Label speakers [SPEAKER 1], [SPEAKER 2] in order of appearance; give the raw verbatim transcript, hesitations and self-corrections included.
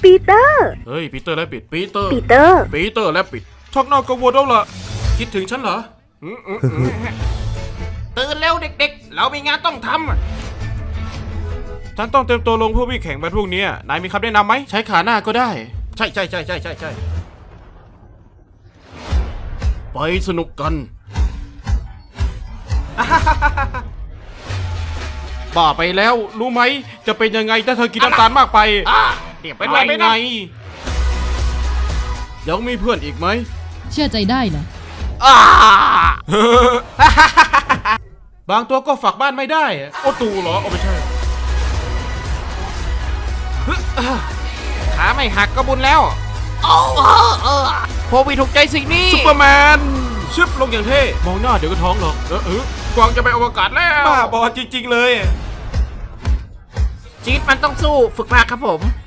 [SPEAKER 1] ปีเตอร์
[SPEAKER 2] เฮ้ยปีเตอร์และปิดปีเตอร์
[SPEAKER 1] ปีเตอร์
[SPEAKER 2] ปีเตอร์และปิดชักหน้ากังวลแล้วล่ะคิดถึงฉันเหรออืมอืมอืมตื่นเร็วเด็กๆเรามีงานต้องทำฉันต้องเตรียมตัวลงเพื่อวิ่งแข่งวันพรุ่งนี้นายมีคำแนะนำไหมใช้ขาหน้าก็ได้ใช่ใช่ใช่ใช่ใช่ใช่ไปสนุกกัน บ้าไปแล้วรู้ไหมจะเป็นยังไงถ้าเธอกินน้ำตาลมากไปเดี๋ยวเป็นไรไงยังมีเพื่อนอีกไหม
[SPEAKER 3] เชื่อใจได้นะ
[SPEAKER 2] บางตัวก็ฝากบ้านไม่ได้โอ้ตูเหรอเอาไม่ใช่ขาไม่หักก็บุญแล้วโควิดถูกใจสิ่งนี้ซุปเปอร์แมนชึบลงอย่างเท่มองหน้าเดี๋ยวก็ท้องหรอกเออเออกวางจะไปอวกาศแล้วบ้าบอจริงๆเลยชีวิตมันต้องสู้ฝึกมาครับผม